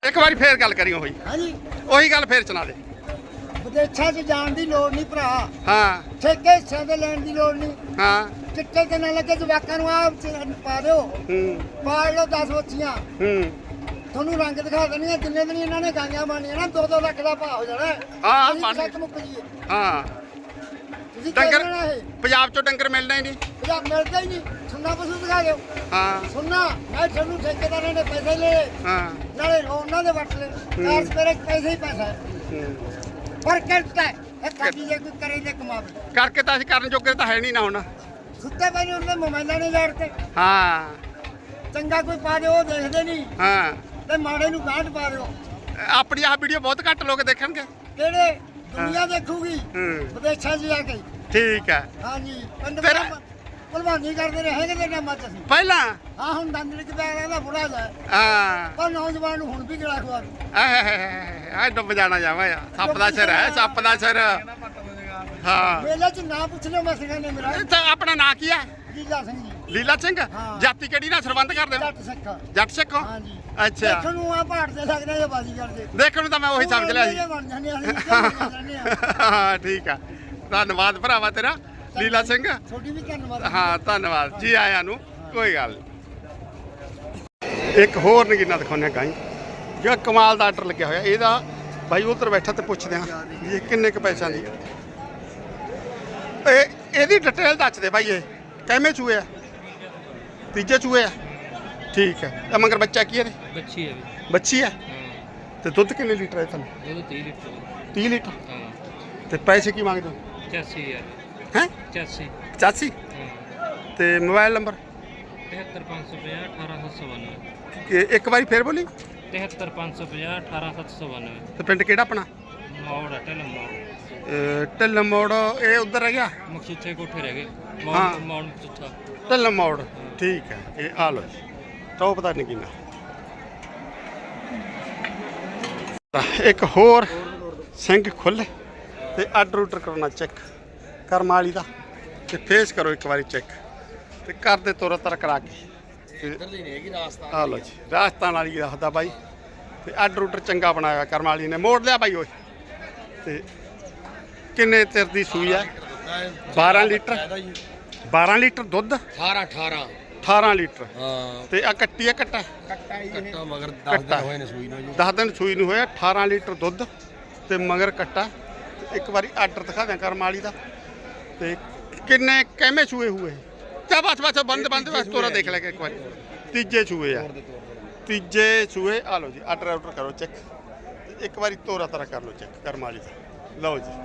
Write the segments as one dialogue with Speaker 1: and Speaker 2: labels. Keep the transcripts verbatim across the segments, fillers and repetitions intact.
Speaker 1: ਇੱਕ ਵਾਰੀ ਫੇਰ ਗੱਲ ਕਰੀ ਉਹੀ
Speaker 2: ਹਾਂਜੀ
Speaker 1: ਉਹੀ ਗੱਲ ਫੇਰ ਸੁਣਾ ਦੇ।
Speaker 2: ਵਿਦੇਸ਼ਾਂ 'ਚ ਜਾਣ ਦੀ ਲੋੜ ਨਹੀਂ ਭਰਾ।
Speaker 1: ਹਾਂ
Speaker 2: ਠੇਕੇ ਹਿੱਸਿਆਂ ਦੇ ਲੈਣ ਦੀ ਲੋੜ ਨਹੀਂ।
Speaker 1: ਹਾਂ
Speaker 2: ਚਿੱਟੇ ਤੇ ਨਾ ਲੱਗੇ ਜਵਾਕਾਂ ਨੂੰ ਆ ਪਾ ਦਿਓ।
Speaker 1: ਹੂੰ
Speaker 2: ਪਾਲ ਲਓ ਦਸ ਬੱਚੀਆਂ
Speaker 1: ਹੂੰ
Speaker 2: ਤੁਹਾਨੂੰ ਰੰਗ ਦਿਖਾ ਦੇਣੀਆਂ ਜਿੰਨੇ ਦਿਨ ਇਹਨਾਂ ਨੇ ਗਾਈਆਂ ਬਣਨੀਆਂ ਨਾ ਦੋ ਦੋ ਲੱਖ ਦਾ ਭਾਅ ਹੋ ਜਾਣਾ।
Speaker 1: ਹਾਂ,
Speaker 2: ਅਸੀਂ
Speaker 1: ਬਣ-
Speaker 2: ਸੱਚ ਮੁੱਕ ਜੀਏ।
Speaker 1: ਹਾਂ
Speaker 2: ਤੁਸੀਂ
Speaker 1: ਡੰਗਰ
Speaker 2: ਕਹਿਣਾ ਇਹ
Speaker 1: ਪੰਜਾਬ ਚੋਂ ਡੰਗਰ ਮਿਲਣਾ ਹੀ ਨਹੀਂ।
Speaker 2: ਪੰਜਾਬ ਮਿਲਦਾ ਹੀ ਨਹੀਂ। ਸੁਣਨਾ ਪਸ਼ੂ ਦਿਖਾ ਦਿਓ।
Speaker 1: ਹਾਂ
Speaker 2: ਸੁਣਨਾ ਮੈਂ ਤੁਹਾਨੂੰ ਠੇਕੇਦਾਰਾਂ ਨੇ ਪੈਸੇ ਲਏ
Speaker 1: ਹਾਂ
Speaker 2: ਨਾਲੇ ਉਹਨਾਂ ਦੇ ਵੱਟ ਲਏ। ਚਾਰ ਸਪੇਰੇ ਪੈਸੇ ਹੀ ਪੈਸਾ ਹੈ।
Speaker 1: ਹੂੰ।
Speaker 2: ਪਰ ਕਰਤਾ ਹੈ ਇਹ ਕਾਜੀ ਜੇ ਕੋਈ ਕਰੇ ਤੇ ਕਮਾਵੇ।
Speaker 1: ਕਰਕੇ ਤਾਂ ਅਸੀਂ ਕਰਨ ਜੋਗੇ ਤਾਂ ਹੈ ਨਹੀਂ ਨਾ ਹੁਣ।
Speaker 2: ਸੁੱਤੇ ਪਏ ਨੇ ਉਹਨੇ ਮੋਬਾਈਲਾਂ ਨੇ ਲੜਤੇ।
Speaker 1: ਹਾਂ
Speaker 2: ਚੰਗਾ ਕੋਈ ਪਾ ਦਿਓ ਉਹ ਦੇਖਦੇ ਨਹੀਂ
Speaker 1: ਹਾਂ
Speaker 2: ਤੇ ਮਾੜੇ ਨੂੰ ਗਾਂਢ ਪਾ ਦਿਓ।
Speaker 1: ਆਪਣੀ ਆਹ ਵੀਡੀਓ ਬਹੁਤ ਘੱਟ ਲੋਕ ਦੇਖਣਗੇ।
Speaker 2: ਕਿਹੜੇ ਦੁਨੀਆ ਦੇਖੂਗੀ
Speaker 1: ਹੂੰ
Speaker 2: ਵਿਦੇਸ਼ਾਂ 'ਚ ਜਾ ਕੇ।
Speaker 1: ਠੀਕ ਹੈ।
Speaker 2: ਹਾਂਜੀ ਪਿੰਡ
Speaker 1: ਫਿਰ-
Speaker 2: ਮੇਰਾ ਭਲਵਾਨੀ ਕਰਦੇ ਰਹੇ ਕਿਤੇ ਟਾਈਮਾਂ 'ਚ ਅਸੀਂ।
Speaker 1: ਪਹਿਲਾਂ
Speaker 2: ਹਾਂ ਹੁਣ ਦੰਦਲੀ ਚ ਪੈ ਰਿਹਾ ਬੁੜਾ ਜਾ
Speaker 1: ਹਾਂ
Speaker 2: ਪਰ ਨੌਜਵਾਨ ਨੂੰ ਹੁਣ ਵੀ ਗਲਾ ਖਵਾ ਦੂ।
Speaker 1: ਆਹ ਡੁੱਬ ਜਾਣਾ ਜਾਵਾ ਆ ਸੱਪ ਦਾ ਸਿਰ ਹੈ ਸੱਪ ਦਾ ਸਿਰ। ਹਾਂ
Speaker 2: ਮੇਲੇ 'ਚ ਨਾ ਪੁੱਛ ਲਿਓ ਮਸਗਾ ਨੇ ਮੇਰਾ
Speaker 1: ਇਹ ਤਾਂ ਆਪਣਾ ਨਾਂ ਕੀ ਹੈ?
Speaker 2: ਲੀਲਾ ਸਿੰਘ ਜੀ
Speaker 1: ਲੀਲਾ ਸਿੰਘ।
Speaker 2: ਹਾਂ।
Speaker 1: ਜਾਤੀ ਕਿਹੜੀ ਨਾਲ ਸੰਬੰਧ ਕਰਦੇ ਹੋ?
Speaker 2: ਜੱਟ ਸਿੱਖਾ।
Speaker 1: ਜੱਟ ਸਿੱਖ ਹੋ?
Speaker 2: ਹਾਂਜੀ
Speaker 1: ਅੱਛਾ
Speaker 2: ਦੇਖਣ ਨੂੰ ਆ ਪਹਾੜ ਤੇ ਲੱਗਦਾ ਜਾਂ ਬਾਜੀ ਕਰਦੇ।
Speaker 1: ਦੇਖਣ ਨੂੰ ਤਾਂ ਮੈਂ ਉਹੀ ਸਮਝ ਲਿਆ ਸੀ।
Speaker 2: ਬਣ ਜਾਂਦੇ ਅਸੀਂ ਨਿਕਲ ਜਾਂਦੇ ਆ।
Speaker 1: ਹਾਂ ਠੀਕ ਆ ਧੰਨਵਾਦ ਭਰਾਵਾ ਤੇਰਾ ਲੀਲਾ ਸਿੰਘ।
Speaker 2: ਤੁਹਾਡੀ ਵੀ ਧੰਨਵਾਦ।
Speaker 1: ਹਾਂ ਧੰਨਵਾਦ ਜੀ ਆਇਆਂ ਨੂੰ। ਕੋਈ ਗੱਲ ਨਹੀਂ। ਇੱਕ ਹੋਰ ਨਗੀਨਾ ਦਿਖਾਉਂਦੇ ਗਾਈ ਜਿਹੜਾ ਕਮਾਲ ਦਾ ਆਰਡਰ ਲੱਗਿਆ ਹੋਇਆ ਇਹਦਾ ਬਾਈ ਉਧਰ ਬੈਠਾ ਤੇ ਪੁੱਛਦੇ ਹਾਂ ਵੀ ਇਹ ਕਿੰਨੇ ਕੁ ਪੈਸਿਆਂ ਦੀ ਇਹ ਇਹਦੀ ਡਿਟੇਲ ਦੱਸ ਦੇ ਬਾਈ। ਇਹ ਕਿਵੇਂ ਚੂਹੇ ਆ? ਤੀਜੇ ਚੂਹੇ ਆ ਠੀਕ ਹੈ। ਇਹ ਮਗਰ ਬੱਚਾ ਕੀ ਹੈ ਇਹਦੇ?
Speaker 3: ਬੱਚੀ ਹੈ ਵੀ।
Speaker 1: ਬੱਚੀ ਆ
Speaker 3: ਹਾਂ
Speaker 1: ਤੇ ਦੁੱਧ ਕਿੰਨੇ ਲੀਟਰ ਹੈ ਤੁਹਾਨੂੰ?
Speaker 3: ਦੁੱਧ ਤੀਹ ਲੀਟਰ।
Speaker 1: ਤੀਹ ਲੀਟਰ।
Speaker 3: ਹਾਂ
Speaker 1: ਤੇ ਪੈਸੇ ਕੀ ਮੰਗਦੇ ਹੋ?
Speaker 3: ਪਚਾਸੀ ਹਜ਼ਾਰ।
Speaker 1: ਹੈ
Speaker 3: ਪਚਾਸੀ।
Speaker 1: ਪਚਾਸੀ।
Speaker 3: ਹਾਂ
Speaker 1: ਤੇ ਮੋਬਾਈਲ ਨੰਬਰ?
Speaker 3: ਤਿਹੱਤਰ ਪੰਜ ਸੌ ਪੰਜਾਹ ਅਠਾਰਾਂ ਸੱਤ ਸੌ ਬਾਨਵੇਂ।
Speaker 1: ਇਹ ਇੱਕ ਵਾਰੀ ਫੇਰ ਬੋਲੀ।
Speaker 3: ਤਿਹੱਤਰ ਪੰਜ ਸੌ ਪੰਜਾਹ ਅਠਾਰਾਂ ਸੱਤ ਸੌ ਬਾਨਵੇਂ।
Speaker 1: ਤੇ ਪਿੰਡ ਕਿਹੜਾ ਆਪਣਾ?
Speaker 3: ਮੌੜ ਹੈ ਢਿੱਲ ਮੌੜ।
Speaker 1: ਅਹ ਢਿੱਲ ਮੋੜ ਇਹ ਉਧਰ ਰਹਿ ਗਿਆ।
Speaker 3: ਮਕਸੂਥੇ ਕੋਠੇ ਰਹਿ ਗਏ।
Speaker 1: ਹਾਂ।
Speaker 3: ਮੌੜ ਮੌੜ ਚੁੱਥਾ।
Speaker 1: ਢਿੱਲ ਮੋੜ ਠੀਕ ਹੈ। ਇਹ ਆ ਲੋ ਤਾਂ ਪਤਾ ਨਹੀਂ ਕਿੰਨਾ। ਇੱਕ ਹੋਰ ਸਿੰਘ ਖੁੱਲੇ ਤੇ ਆਰਡਰ ਉਡਰ ਕਰਨਾ ਚੈੱਕ ਕਰਮ ਵਾਲੀ ਦਾ ਤੇ ਫੇਸ ਕਰੋ ਇੱਕ ਵਾਰੀ ਚੈੱਕ ਤੇ ਕਰਦੇ ਤੁਰਤ ਤਰ ਕਰਾ ਕੇ। ਆ ਲੋ ਜੀ ਰਾਜਸਥਾਨ ਵਾਲੀ ਦੱਸਦਾ ਬਾਈ ਤੇ ਆਰਡਰ ਉਡਰ ਚੰਗਾ ਬਣਾਇਆ ਕਰਮ ਵਾਲੀ ਨੇ। ਮੋੜ ਲਿਆ ਬਾਈ ਓਏ। ਤੇ ਕਿੰਨੇ ਚਿਰ ਦੀ ਸੂਈ ਹੈ? ਬਾਰਾਂ ਲੀਟਰ। ਬਾਰਾਂ ਲੀਟਰ ਦੁੱਧ।
Speaker 4: ਅਠਾਰਾਂ ਅਠਾਰਾਂ
Speaker 1: ਅਠਾਰਾਂ ਲੀਟਰ।
Speaker 4: ਹਾਂ
Speaker 1: ਤੇ ਆ ਕੱਟੀ ਆ ਕੱਟਾ
Speaker 2: ਕੱਟਾ ਹੀ
Speaker 4: ਕੱਟਾ ਮਗਰ ਦਸ
Speaker 1: ਕੱਟਾ।
Speaker 4: ਦਿਨ ਹੋਏ ਨੇ ਸੂਈ ਨੂੰ ਜੀ।
Speaker 1: ਦਸ ਦਿਨ ਸੂਈ ਨੂੰ ਹੋਇਆ। ਅਠਾਰਾਂ ਲੀਟਰ ਦੁੱਧ ਤੇ ਮਗਰ ਕੱਟਾ। ਤੇ ਇੱਕ ਵਾਰੀ ਆਰਡਰ ਦਿਖਾ ਦਿਆਂ ਕਰਮ ਵਾਲੀ ਦਾ ਤੇ ਕਿੰਨੇ ਕਿਵੇਂ ਸੂਏ ਹੋਏ? ਚਾ ਬਸ ਬਸ ਬੰਦ ਬੰਦ ਬਸ ਤੋਰਾ ਦੇਖ ਲੈ ਕੇ ਇੱਕ ਵਾਰੀ। ਤੀਜੇ ਸੂਏ ਆ ਤੀਜੇ ਸੂਏ। ਆ ਲਓ ਜੀ ਆਰਡਰ ਆਰਡਰ ਕਰੋ ਚੈੱਕ। ਇੱਕ ਵਾਰੀ ਤੋਰਾ ਤਰਾ ਕਰ ਲਓ ਚੈੱਕ ਕਰਮ ਵਾਲੀ ਦਾ। ਲਓ ਜੀ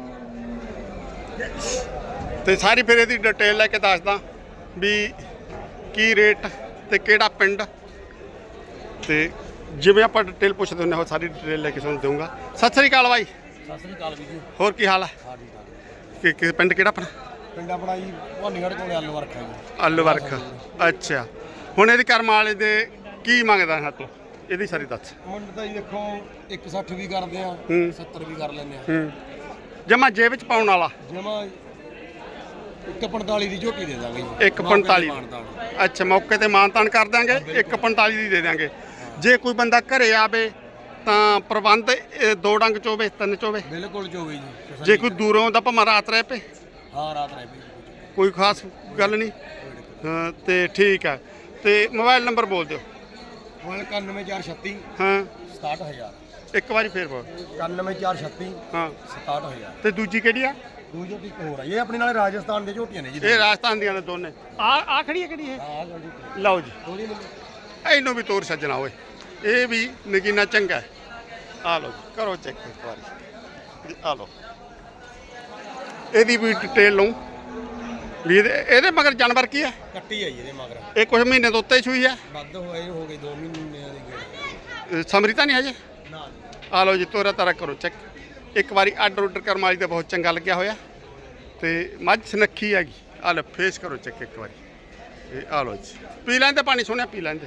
Speaker 1: ਤੇ ਸਾਰੀ ਫਿਰ ਇਹਦੀ ਡਿਟੇਲ ਲੈ ਕੇ ਦੱਸਦਾ ਵੀ ਕੀ ਰੇਟ ਤੇ ਕਿਹੜਾ ਪਿੰਡ ਤੇ ਜਿਵੇਂ ਆਪਾਂ ਡਿਟੇਲ ਪੁੱਛਦੇ ਹੁੰਦੇ ਹਾਂ ਸਾਰੀ ਡਿਟੇਲ ਲੈ ਕੇ ਤੁਹਾਨੂੰ ਦਊਂਗਾ। ਸਤਿ ਸ੍ਰੀ ਅਕਾਲ ਬਾਈ।
Speaker 4: ਸਤਿ ਸ੍ਰੀ ਅਕਾਲ ਵੀ ਜੀ।
Speaker 1: ਹੋਰ ਕੀ ਹਾਲ ਹੈ?
Speaker 4: ਹਾਂ ਠੀਕ ਠਾਕ।
Speaker 1: ਕਿ ਕਿ ਪਿੰਡ ਕਿਹੜਾ ਆਪਣਾ?
Speaker 4: ਪਿੰਡ ਆਪਣਾ ਜੀ ਭਵਾਨੀਗੜ੍ਹ ਕੋਲੇ ਆਲੂ ਵਰਖਾ ਜੀ।
Speaker 1: ਆਲੂ ਵਰਖ। ਅੱਛਾ ਹੁਣ ਇਹਦੀ ਕਰਮ ਵਾਲੇ ਦੇ ਕੀ ਮੰਗਦਾ ਹੈ ਤੂੰ? ਇਹਦੀ ਸਾਰੀ ਦੱਸ।
Speaker 4: ਮੁੰਡ ਤਾਂ ਜੀ ਦੇਖੋ ਇੱਕ ਸੱਠ ਵੀ ਕਰਦੇ ਆ
Speaker 1: ਹੂੰ।
Speaker 4: ਸੱਤਰ ਵੀ ਕਰ ਲੈਂਦੇ ਆ।
Speaker 1: ਹੂੰ ਜਮਾ ਜੇਬ ਵਿੱਚ ਪਾਉਣ ਵਾਲਾ
Speaker 4: ਜਮਾ ਇੱਕ ਪੰਤਾਲੀ ਦੀ ਝੋਟੀ ਦੇ ਦਾਂਗੇ ਜੀ।
Speaker 1: ਇੱਕ ਪੰਤਾਲੀ।
Speaker 4: ਮਾਨਤਾਨ।
Speaker 1: ਅੱਛਾ ਮੌਕੇ ਤੇ ਮਾਨਤਾਨ ਕਰ ਦਾਂਗੇ। ਇੱਕ ਪੰਤਾਲੀ ਦੀ ਦੇ ਦਾਂਗੇ। ਜੇ ਕੋਈ ਬੰਦਾ ਘਰੇ ਆਵੇ ਤਾਂ ਪ੍ਰਬੰਧ ਇਹ ਦੋ ਡੰਗ ਚੋਵੇ ਤਿੰਨ ਚੋਵੇ?
Speaker 4: ਬਿਲਕੁਲ ਚੋਵੇ ਜੀ।
Speaker 1: ਜੇ ਕੋਈ ਦੂਰੋਂ ਦਾ ਭਾਵੇਂ ਰਾਤ ਰਹਿ ਪਏ
Speaker 4: ਹਾਂ ਰਾਤ ਰਹਿ ਪਈ।
Speaker 1: ਕੋਈ ਖਾਸ ਗੱਲ ਨਹੀਂ। ਹਾਂ ਤੇ ਠੀਕ ਹੈ। ਤੇ ਮੋਬਾਈਲ ਨੰਬਰ ਬੋਲ ਦਿਓ।
Speaker 4: ਹੁਣ ਇਕਾਨਵੇਂ ਚਾਰ ਛੱਤੀ
Speaker 1: ਹਾਂ
Speaker 4: ਸਤਾਹਠ ਹਜ਼ਾਰ।
Speaker 1: ਇੱਕ ਵਾਰੀ ਫੇਰ ਬੋਲ।
Speaker 4: ਇਕਾਨਵੇਂ ਚਾਰ ਛੱਤੀ
Speaker 1: ਹਾਂ
Speaker 4: ਸਤਾਹਠ ਹਜ਼ਾਰ।
Speaker 1: ਤੇ ਦੂਜੀ ਕਿਹੜੀ ਆ?
Speaker 4: ਦੂਜੀ ਝੋਟੀ ਇੱਕ ਹੋਰ ਆ ਇਹ ਆਪਣੇ ਨਾਲ ਰਾਜਸਥਾਨ ਦੇ ਝੋਟੀਆਂ ਨੇ ਜੀ।
Speaker 1: ਇਹ ਰਾਜਸਥਾਨ ਦੀਆਂ ਨੇ ਦੋਨੇ। ਆ ਆ ਖੜੀ ਹੈ ਕਿਹੜੀ ਇਹ?
Speaker 4: ਹਾਂ ਜੀ।
Speaker 1: ਲਓ ਜੀ
Speaker 4: ਥੋੜੀ
Speaker 1: ਇਹਨੂੰ ਵੀ ਤੋਰ ਸੱਜਣਾ ਓਏ। ਇਹ ਵੀ ਨਗੀਨਾ ਚੰਗਾ ਹੈ। ਆ ਲਓ ਜੀ ਕਰੋ ਚੈੱਕ ਇੱਕ ਵਾਰੀ। ਆ ਲਓ ਇਹਦੀ ਵੀ ਡਿਟੇਲ ਲਊਂ ਵੀ ਇਹਦੇ ਇਹਦੇ ਮਗਰ ਜਾਨਵਰ ਕੀ ਹੈ?
Speaker 4: ਕੱਟੀ ਆਈ ਇਹਦੇ ਮਗਰ।
Speaker 1: ਇਹ ਕੁਝ ਮਹੀਨੇ ਤੋਂ ਉੱਤੇ ਹੀ ਸੂਈ ਹੈ।
Speaker 4: ਵੱਧ ਹੋਏ ਹੋ ਗਏ ਦੋ ਮਹੀਨਿਆਂ ਦੀ ਗੇੜ।
Speaker 1: ਅਹ ਸਮਰੀ ਤਾਂ ਨਹੀਂ ਹਜੇ?
Speaker 4: ਨਾ
Speaker 1: ਆ ਲਓ ਜੀ ਤੋਰਾ ਤਾਰਾ ਕਰੋ ਚੈੱਕ ਇੱਕ ਵਾਰੀ। ਆਰਡਰ ਉਡਰ ਕਰਮ ਵਾਲੀ ਦਾ ਬਹੁਤ ਚੰਗਾ ਲੱਗਿਆ ਹੋਇਆ ਤੇ ਮੱਝ ਸੁਨੱਖੀ ਹੈਗੀ। ਆ ਲਓ ਫੇਸ ਕਰੋ ਚੈੱਕ ਇੱਕ ਵਾਰੀ। ਇਹ ਆ ਲਓ ਜੀ ਪੀ ਲੈਂਦੇ ਪਾਣੀ ਸੋਹਣਿਆ ਪੀ ਲੈਂਦੇ।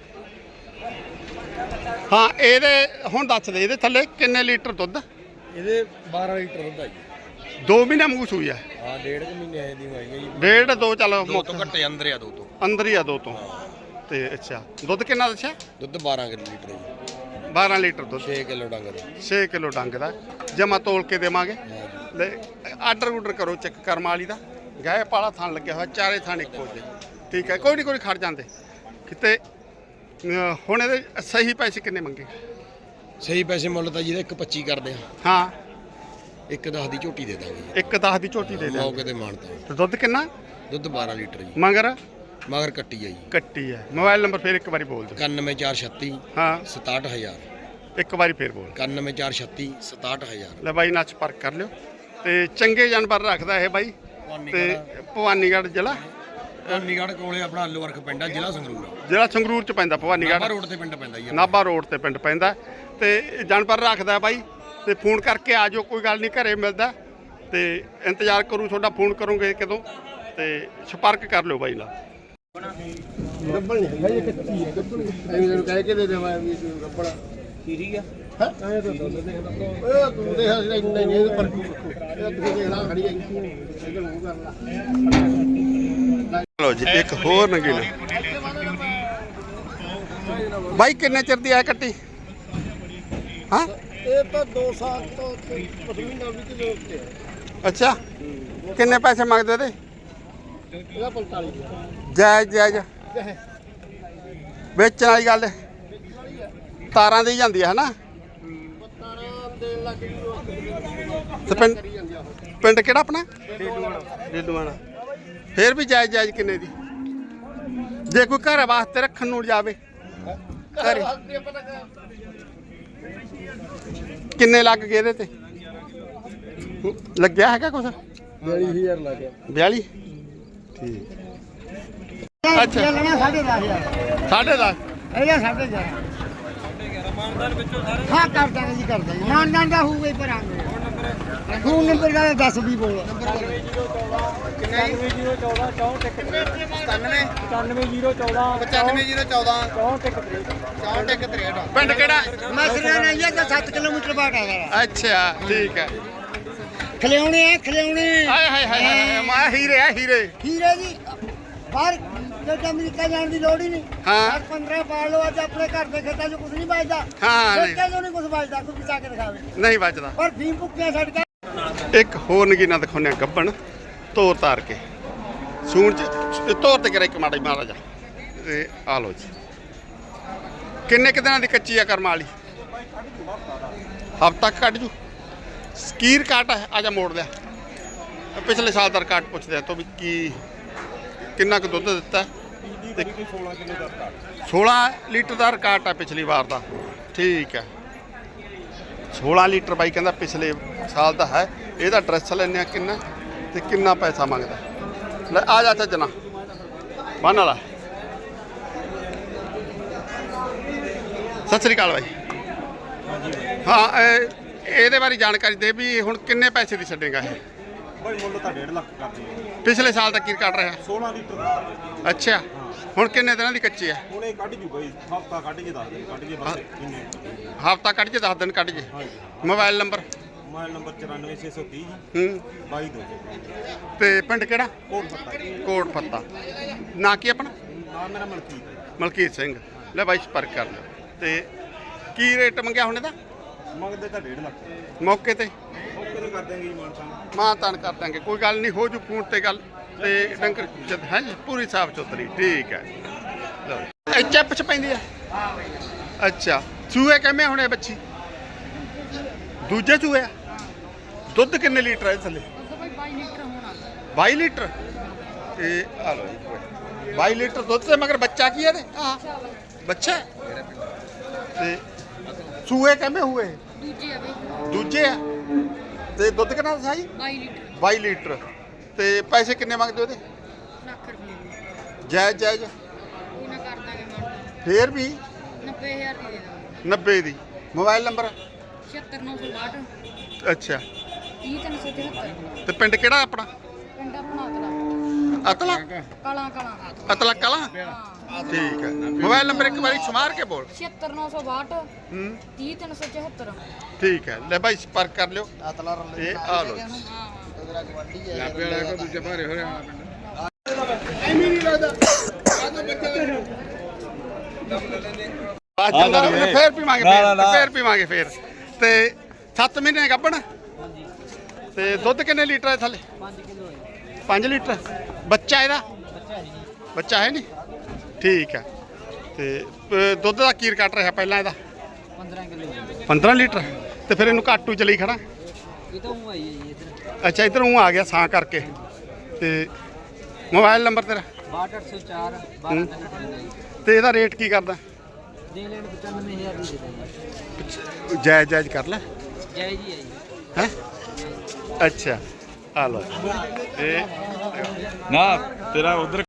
Speaker 1: ਹਾਂ ਇਹਦੇ ਹੁਣ ਦੱਸ ਦੇ ਇਹਦੇ ਥੱਲੇ ਕਿੰਨੇ ਲੀਟਰ ਦੁੱਧ?
Speaker 4: ਇਹਦੇ ਬਾਰਾਂ ਲੀਟਰ ਦੁੱਧ ਆ ਜੀ।
Speaker 1: ਦੋ ਮਹੀਨੇ ਮੂੰਹ ਸੂਈ ਆ।
Speaker 4: ਹਾਂ ਡੇਢ ਕੁ ਮਹੀਨੇ ਦੀ ਹੋਈ ਹੈ ਜੀ।
Speaker 1: ਡੇਢ ਦੋ ਚੱਲ
Speaker 4: ਦੋ ਤੋਂ ਘੱਟੇ ਅੰਦਰ ਆ ਦੋ ਤੋਂ।
Speaker 1: ਅੰਦਰ ਹੀ ਆ ਦੋ ਤੋਂ। ਤੇ ਅੱਛਾ ਦੁੱਧ ਕਿੰਨਾ ਦੱਸਿਆ?
Speaker 4: ਦੁੱਧ ਬਾਰਾਂ ਕਿਲੋ ਲੀਟਰ ਜੀ।
Speaker 1: ਬਾਰਾਂ ਲੀਟਰ ਦੁੱਧ
Speaker 4: ਛੇ ਕਿਲੋ ਡੰਗ ਦਾ
Speaker 1: ਛੇ ਕਿਲੋ ਡੰਗ ਦਾ ਜਮਾ ਤੋਲ ਕੇ ਦੇਵਾਂਗੇ ਲੈ ਆਰਡਰ ਆਰਡਰ ਕਰੋ ਚੈੱਕ ਕਰਮ ਵਾਲੀ ਦਾ ਗਾਏ ਪਾਲਾ ਥਾਂ ਲੱਗਿਆ ਹੋਇਆ ਚਾਰੇ ਥਾਂ ਇੱਕੋ ਜਿਹੇ ਠੀਕ ਹੈ ਕੋਈ ਨਹੀਂ ਕੋਈ ਖੜ ਜਾਂਦੇ ਕਿਤੇ ਅਹ, ਹੁਣ ਇਹਦੇ ਸਹੀ ਪੈਸੇ ਕਿੰਨੇ ਮੰਗੇ
Speaker 4: ਸਹੀ ਪੈਸੇ ਮੁੱਲ ਤਾਂ ਜਿਹਦਾ ਇੱਕ ਪੱਚੀ ਕਰਦੇ ਆ
Speaker 1: ਹਾਂ
Speaker 4: ਇੱਕ ਦਸ ਦੀ ਝੋਟੀ ਦੇ ਦਾਂਗੇ
Speaker 1: ਇੱਕ ਦਸ ਦੀ ਝੋਟੀ ਦੇ ਦੇ
Speaker 4: ਮੌਕੇ ਤੇ ਮਾਨਤਾ
Speaker 1: ਤੇ ਦੁੱਧ ਕਿੰਨਾ
Speaker 4: ਦੁੱਧ ਬਾਰਾਂ ਲੀਟਰ ਜੀ
Speaker 1: ਮਗਰ
Speaker 4: ਮਗਰ ਕੱਟੀ ਆ ਜੀ
Speaker 1: ਕੱਟੀ ਹੈ ਮੋਬਾਈਲ ਨੰਬਰ ਫਿਰ ਇੱਕ ਵਾਰੀ ਬੋਲ ਦਿਓ
Speaker 4: ਇਕਾਨਵੇਂ ਚਾਰ ਛੱਤੀ
Speaker 1: ਹਾਂ
Speaker 4: ਸਤਾਹਠ ਹਜ਼ਾਰ
Speaker 1: ਇੱਕ ਵਾਰੀ ਫਿਰ ਬੋਲ
Speaker 4: ਇਕਾਨਵੇਂ ਚਾਰ ਛੱਤੀ ਸਤਾਹਠ ਹਜ਼ਾਰ
Speaker 1: ਲੈ ਬਾਈ ਨਾਲ ਸੰਪਰਕ ਕਰ ਲਿਓ ਤੇ ਚੰਗੇ ਜਾਨਵਰ ਰੱਖਦਾ ਇਹ ਬਾਈ ਤੇ ਭਵਾਨੀਗੜ੍ਹ ਜ਼ਿਲ੍ਹਾ
Speaker 4: ਭਵਾਨੀਗੜ੍ਹ ਕੋਲੇ ਆਪਣਾ ਆਲੂ ਵਰਖ ਪਿੰਡ ਆ ਜ਼ਿਲ੍ਹਾ ਸੰਗਰੂਰ
Speaker 1: ਜਿਹੜਾ ਸੰਗਰੂਰ ਚ ਪੈਂਦਾ
Speaker 4: ਨਾਭਾ
Speaker 1: ਭਵਾਨੀਗੜ੍ਹ
Speaker 4: ਰੋਡ ਤੇ ਪਿੰਡ ਪੈਂਦਾ ਜੀ
Speaker 1: ਨਾਭਾ ਰੋਡ ਤੇ ਪਿੰਡ ਪੈਂਦਾ ਤੇ ਜਾਨਵਰ ਰੱਖਦਾ ਬਾਈ ਤੇ ਫੋਨ ਕਰਕੇ ਆ ਜਾਓ ਕੋਈ ਗੱਲ ਨਹੀਂ ਘਰੇ ਮਿਲਦਾ ਤੇ ਇੰਤਜ਼ਾਰ ਕਰੂ ਤੁਹਾਡਾ ਫੋਨ ਕਰੂੰਗੇ ਕਦੋਂ ਤੇ ਸੰਪਰਕ ਕਰ ਲਿਓ ਬਾਈ ਨਾਲ
Speaker 2: ਗੱਬਲ ਨਹੀਂ ਹੈਗਾ ਇਹ ਕੱਚੀ ਹੈ ਗੱਬਲ ਐਵੇਂ ਤੈਨੂੰ ਕਹਿ ਕੇ ਦੇ ਦੇਵਾਂ ਵੀ ਗੱਬਲ
Speaker 3: ਠੀਕ ਆ
Speaker 2: ਹਾਂ ਐਂ ਤਾਂ ਦੁੱਧ ਦੇ ਓਏ ਤੂੰ ਦੇਖ ਅਸੀਂ ਇੰਨਾ ਨਹੀਂ ਇਹ ਪਰ ਇਹ ਤੁਸੀਂ ਦੇਖਣਾ ਖੜੀ ਹੈ ਇਹ ਮੂੰਹ ਕਰ ਲਾ
Speaker 1: ਚਲੋ ਜੀ ਇੱਕ ਹੋਰ ਨਗੀਨਾ ਬਾਈ ਕਿੰਨੇ ਚਿਰ ਦੀ ਆ ਕੱਟੀ ਹਾਂ
Speaker 2: ਇਹ ਤਾਂ ਦੋ ਸਾਲ ਤੋਂ ਪਸ਼ਮੀਨਾ ਵੀ ਕਿਲੋ ਉੱਤੇ
Speaker 1: ਅੱਛਾ ਕਿੰਨੇ ਪੈਸੇ ਮੰਗਦੇ ਇਹਦੇ
Speaker 2: ਇਹਦਾ ਪੰਤਾਲੀ
Speaker 1: ਜਾਇਜ਼ ਜਾਇਜ਼ ਵੇਚਣ ਵਾਲੀ ਗੱਲ ਹੈ। ਤਾਰਾਂ ਦੀ ਜਾਂਦੀ ਹੈ ਹਨਾ
Speaker 2: ਤਾਰਾਂ ਦੇਣ ਲੱਗ ਗਈ
Speaker 1: ਤੇ ਪਿੰਡ ਪਿੰਡ ਕਿਹੜਾ ਆਪਣਾ ਡੇਡੂਆਣਾ ਫੇਰ ਵੀ ਜਾਇਜ਼ ਜਾਇਜ਼ ਕਿੰਨੇ ਦੀ ਜੇ ਕੋਈ ਘਰ ਵਾਸਤੇ ਰੱਖਣ ਨੂੰ ਜਾਵੇ ਘਰੇ ਕਿੰਨੇ ਲੱਗ ਗਏ ਇਹਦੇ ਤੇ ਲੱਗਿਆ ਹੈਗਾ ਕੁਛ
Speaker 2: ਬਿਆਲੀ ਹਜ਼ਾਰ ਲੱਗ ਗਿਆ
Speaker 1: ਬਿਆਲੀ ਠੀਕ ਅੱਛਾ।
Speaker 2: ਲੈਣਾ ਸਾਢੇ ਦਸ ਹਜ਼ਾਰ
Speaker 1: ਸਾਢੇ ਦਸ
Speaker 2: ਇਹਦਾ ਸਾਢੇ ਗਿਆਰਾਂ ਹਾਂ ਕਰ ਦਾਂਗੇ ਜੀ ਕਰ ਦਾਂਗੇ ਮਾਨਦਾਨ ਦਾ ਹੋਊਗਾ ਹੀ ਪਰ ਆਂਗੇ ਫੋਨ ਨੰਬਰ ਦਾ ਦੱਸ ਵੀ ਬੋਲ
Speaker 3: ਇਕਾਨਵੇਂ ਜ਼ੀਰੋ ਚੌਦਾਂ ਚੌਂਹਠ ਇੱਕ ਸਤਾਨਵੇਂ ਇਕਾਨਵੇਂ ਜ਼ੀਰੋ ਚੌਦਾਂ
Speaker 2: ਪਚਾਨਵੇਂ ਜ਼ੀਰੋ ਚੌਦਾਂ
Speaker 3: ਚੌਂਹਠ ਇੱਕ ਤ੍ਰੇਹਠ
Speaker 2: ਚੌਂਹਠ ਇੱਕ ਤਰੇਹਠ
Speaker 1: ਪਿੰਡ ਕਿਹੜਾ
Speaker 2: ਮਸਲਾ ਨਹੀਂ ਹੈ ਕਿ ਸੱਤ ਕਿਲੋਮੀਟਰ ਬਾਟ ਆ ਸਾਰਾ
Speaker 1: ਅੱਛਾ ਠੀਕ ਹੈ
Speaker 2: ਖਲਿਆਉਣੇ ਆ ਖਲਿਆਉਣੇ
Speaker 1: ਹਾਏ ਹਾਏ ਹਾਏ ਹਾਏ ਮਾ ਹੀਰੇ ਆ ਹੀਰੇ
Speaker 2: ਹੀਰੇ ਜੀ ਬਾਹਰ ਜੇ ਅਮਰੀਕਾ ਜਾਣ ਦੀ ਲੋੜ ਹੀ ਨਹੀਂ
Speaker 1: ਹਾਂ।
Speaker 2: ਦਸ ਪੰਦਰਾਂ ਪਾਲ ਲਓ ਅੱਜ ਆਪਣੇ ਘਰ ਦੇ ਖੇਤਾਂ 'ਚ ਕੁਝ ਨਹੀਂ ਬਚਦਾ
Speaker 1: ਹਾਂ, ਨਹੀਂ।
Speaker 2: ਖੇਤਾਂ 'ਚੋਂ ਨਹੀਂ ਕੁਝ ਬਚਦਾ ਕੋਈ ਪਿਸਾ ਕੇ ਦਿਖਾਵੇ
Speaker 1: ਨਹੀਂ ਬਚਦਾ
Speaker 2: ਪਰ ਫੀਮ ਭੁੱਕੀਆਂ ਛੱਡ ਕੇ
Speaker 1: ਇੱਕ ਹੋਰ ਨਗੀਨਾ ਦਿਖਾਉਂਦੇ ਆ ਗੱਬਣ ਤੋਰ ਤਾਰ ਕੇ ਸੂਣ ਚ ਤੋਰ ਤੇ ਕਰੇ ਇੱਕ ਮਾੜਾ ਮਾਰਾ ਜਾ ਤੇ ਆ ਲੋ ਜੀ ਕਿੰਨੇ ਕੁ ਦਿਨਾਂ ਦੀ ਕੱਚੀ ਆ ਕਰਮ ਵਾਲੀ ਹਫ਼ਤਾ ਕੱਢ ਜੂ ਸਕੀਰ ਕਾਟ ਹੈ ਆ ਜਾ ਮੋੜ ਲਿਆ ਪਿਛਲੇ ਸਾਲ ਦਾ ਰਿਕਾਰਡ ਪੁੱਛਦੇ ਆ ਤੋਂ ਵੀ ਕੀ ਕਿੰਨਾ ਕੁ ਦੁੱਧ ਦਿੱਤਾ ਤੇ ਸੋਲਾਂ ਲੀਟਰ ਦਾ ਰਿਕਾਰਡ ਆ ਪਿਛਲੀ ਵਾਰ ਦਾ ਠੀਕ ਹੈ ਸੋਲਾਂ ਲੀਟਰ ਬਾਈ ਕਹਿੰਦਾ ਪਿਛਲੇ ਸਾਲ ਦਾ ਹੈ ਇਹਦਾ ਐਡਰੈਸ ਲੈਣੇ ਆ ਕਿੰਨਾ ਤੇ ਕਿੰਨਾ ਪੈਸਾ ਮੰਗਦਾ ਲੈ ਆ ਜਾ ਚੱਜਣਾ ਬੰਨ ਵਾਲਾ ਸਤਿ ਸ੍ਰੀ ਅਕਾਲ ਬਾਈ ਹਾਂ ਇਹ- ਇਹਦੇ ਬਾਰੇ ਜਾਣਕਾਰੀ ਦੇ ਵੀ ਹੁਣ ਕਿੰਨੇ ਪੈਸੇ ਦੀ ਛੱਡੇਗਾ ਇਹ
Speaker 5: ਭਾਈ ਮੁੱਲ ਤਾਂ ਡੇਢ ਲੱਖ ਕਰਦੇ ਆ
Speaker 1: ਪਿਛਲੇ ਸਾਲ ਦਾ ਕੀ ਕੱਢ ਰਿਹਾ
Speaker 5: ਸੋਲਾਂ ਲੀਟਰ ਦਾ
Speaker 1: ਅੱਛਾ ਹੁਣ ਕਿੰਨੇ ਦਿਨਾਂ ਦੀ ਕੱਚੀ ਹੈ
Speaker 5: ਹੁਣ ਇਹ ਕੱਢ ਜੂ ਬਾਈ ਹਫਤਾ ਕੱਢ ਕੇ ਦੱਸ ਦੇ ਕੱਢ ਕੇ ਬਸ ਕਿੰਨੇ
Speaker 1: ਹਫ਼ਤਾ ਕੱਢ ਜੇ ਦਸ ਦਿਨ ਕੱਢ ਜੇ
Speaker 5: ਹਾਂਜੀ
Speaker 1: ਮੋਬਾਈਲ ਨੰਬਰ
Speaker 5: ਮੋਬਾਈਲ ਨੰਬਰ ਚੁਰਾਨਵੇਂ ਛੇ ਸੌ ਤੀਹ
Speaker 1: ਹੂੰ
Speaker 5: ਬਾਈ ਦੋ ਸੌ
Speaker 1: ਤੇ ਪਿੰਡ ਕਿਹੜਾ
Speaker 5: ਕੋਟ ਪੱਤਾ ਜੀ
Speaker 1: ਕੋਟ ਫੱਤਾ ਨਾਂ ਕੀ ਆਪਣਾ
Speaker 5: ਨਾਮ ਮੇਰਾ ਮਲਕੀਤ ਹੈ
Speaker 1: ਮਲਕੀਤ ਸਿੰਘ ਲੈ ਬਾਈ ਸੰਪਰਕ ਕਰ ਲਿਓ ਤੇ ਕੀ ਰੇਟ ਮੰਗਿਆ ਹੁਣ ਇਹਦਾ
Speaker 5: ਮੰਗਦੇ ਤਾਂ ਡੇਢ ਲੱਖ
Speaker 1: ਮੌਕੇ ਤੇ
Speaker 5: ਓਕੇ ਤੇ ਕਰ ਦੇਂਗੇ ਜੀ ਮਾਨ ਸਾਹਿਬ
Speaker 1: ਮਾਂ ਤਾਨ ਕਰ ਦਾਂਗੇ ਕੋਈ ਗੱਲ ਨਹੀਂ ਹੋ ਜੂ ਫੋਨ ਤੇ ਗੱਲ ਤੇ ਡੰਗਰ ਜਦ ਹੈ ਜੀ ਪੂਰੀ ਸਾਫ ਸੁਥਰੀ ਠੀਕ ਹੈ ਲਓ ਇਹ ਚੱਪ ਚ ਪੈਂਦੀ ਆ ਅੱਛਾ ਚੂਹੇ ਕਿਵੇਂ ਹੁਣੇ ਬੱਚੀ ਦੂਜੇ ਚੂਹੇ ਆ ਦੁੱਧ ਕਿੰਨੇ ਲੀਟਰ ਹੈ ਥੱਲੇ ਬਾਈ ਲੀਟਰ ਇਹ ਆ ਲਓ ਜੀ ਬਾਈ ਲੀਟਰ ਦੁੱਧ ਤੇ ਮਗਰ ਬੱਚਾ ਕੀ ਹੈ ਇਹਦੇ ਆ ਬੱਚਾ ਹੈ? ਤੇ ਚੂਹੇ ਕਿਵੇਂ ਹੋਏ
Speaker 6: ਦੂਜੇ ਆ ਬਈ
Speaker 1: ਦੂਜੇ ਆ ਤੇ ਦੁੱਧ ਕਿੰਨਾ ਦੱਸਿਆ ਜੀ
Speaker 6: ਬਾਈ ਲੀਟਰ
Speaker 1: ਬਾਈ ਲੀਟਰ ਤੇ ਪੈਸੇ ਕਿੰਨੇ ਮੰਗਦੇ ਉਹਦੇ
Speaker 6: ਲੱਖ ਰੁਪਏ ਦੀ
Speaker 1: ਜਾਇਜ਼ ਜਾਇਜ਼
Speaker 6: ਉਹ ਨਾ ਕਰ ਦਾਂਗੇ ਮਾਨ
Speaker 1: ਫੇਰ ਵੀ
Speaker 6: ਨੱਬੇ ਹਜ਼ਾਰ ਦੀ ਦੇ ਦਾਂਗੇ
Speaker 1: ਨੱਬੇ ਦੀ ਮੋਬਾਈਲ ਨੰਬਰ
Speaker 6: ਛਿਅੱਤਰ ਨੌ ਸੌ ਬਾਹਠ
Speaker 1: ਅੱਛਾ
Speaker 6: ਤੀਹ ਤਿੰਨ ਸੌ ਤਿਹੱਤਰ
Speaker 1: ਤੇ ਪਿੰਡ ਕਿਹੜਾ ਆਪਣਾ
Speaker 6: ਪਿੰਡ ਆਪਣਾ ਅਤਲਾ
Speaker 1: ਅਤਲਾ
Speaker 6: ਕਲਾਂ ਕਲਾਂ
Speaker 1: ਅਤਲਾ ਕਲਾ
Speaker 6: ਹਾਂ
Speaker 1: ਠੀਕ ਹੈ ਮੋਬਾਈਲ ਨੰਬਰ ਇੱਕ ਵਾਰੀ ਸਮਾਰ ਕੇ ਬੋਲ
Speaker 6: ਛਿਅੱਤਰ ਨੌ ਸੌ ਬਾਹਠ
Speaker 1: ਹੂੰ
Speaker 6: ਤੀਹ ਤਿੰਨ ਸੌ ਚੁਹੱਤਰ
Speaker 1: ਠੀਕ ਹੈ ਲੈ ਭਾਈ ਸੰਪਰਕ ਕਰ ਲਿਓ
Speaker 2: ਅਤਲਾ ਰਲ
Speaker 1: ਇਹ ਆ ਲਓ ਜੀ।
Speaker 6: ਹਾਂ
Speaker 2: ਤੇਰਾ ਗਵਾਂਢੀ ਹੈ
Speaker 4: ਲਾਪੇ ਵਾਲਾ ਕੋ ਦੂਜੇ ਭਾਰੇ ਹੋ ਰਿਹਾ ਪਿੰਡ
Speaker 2: ਐਵੇਂ ਨਹੀਂ ਲੱਗਦਾ ਆਹ ਬੱਚਾ
Speaker 1: ਬਾਅਦ ਜਾਂਦਾ ਫੇਰ ਪੀਵਾਂਗੇ ਫੇਰ ਫੇਰ ਪੀਵਾਂਗੇ ਫੇਰ ਤੇ ਸੱਤ ਮਹੀਨੇ ਗੱਭਣ ਤੇ ਦੁੱਧ ਕਿੰਨੇ ਲੀਟਰ ਹੈ ਥੱਲੇ
Speaker 3: पाँच किलो है
Speaker 1: ਪੰਜ ਲੀਟਰ ਬੱਚਾ ਇਹਦਾ
Speaker 3: बच्चा है जी
Speaker 1: ਬੱਚਾ ਹੈ ਨਹੀਂ ਠੀਕ ਹੈ ਤੇ ਅ, ਦੁੱਧ ਦਾ ਕੀਰ ਕੱਟ ਰਿਹਾ ਪਹਿਲਾਂ ਇਹਦਾ
Speaker 3: पंद्रह किलो है
Speaker 1: ਪੰਦਰਾਂ ਲੀਟਰ ਤੇ ਫਿਰ ਇਹਨੂੰ ਕਾਟੂ ਚ ਲਈ ਖੜਾ
Speaker 3: ये तो हुआ ही है ये इधर
Speaker 1: ਅੱਛਾ ਇਧਰ ਨੂੰ ਆ ਗਿਆ ਸਾਂ ਕਰਕੇ ਤੇ ਮੋਬਾਈਲ ਨੰਬਰ ਤੇਰਾ
Speaker 3: बाट आठ सौ चार बारह तक
Speaker 1: ਤੇ ਇਹਦਾ ਰੇਟ ਕੀ ਕਰਦਾ
Speaker 3: दे लेने पचानवे हज़ार भी देते हैं
Speaker 1: ਜਾਇਜ਼ ਜਾਇਜ਼ ਕਰ ਲੈ
Speaker 3: जय जी है जी
Speaker 1: ਹੈ ਅੱਛਾ ਆ ਲੋ ਇਹ
Speaker 5: ਨਾ ਤੇਰਾ ਉਧਰ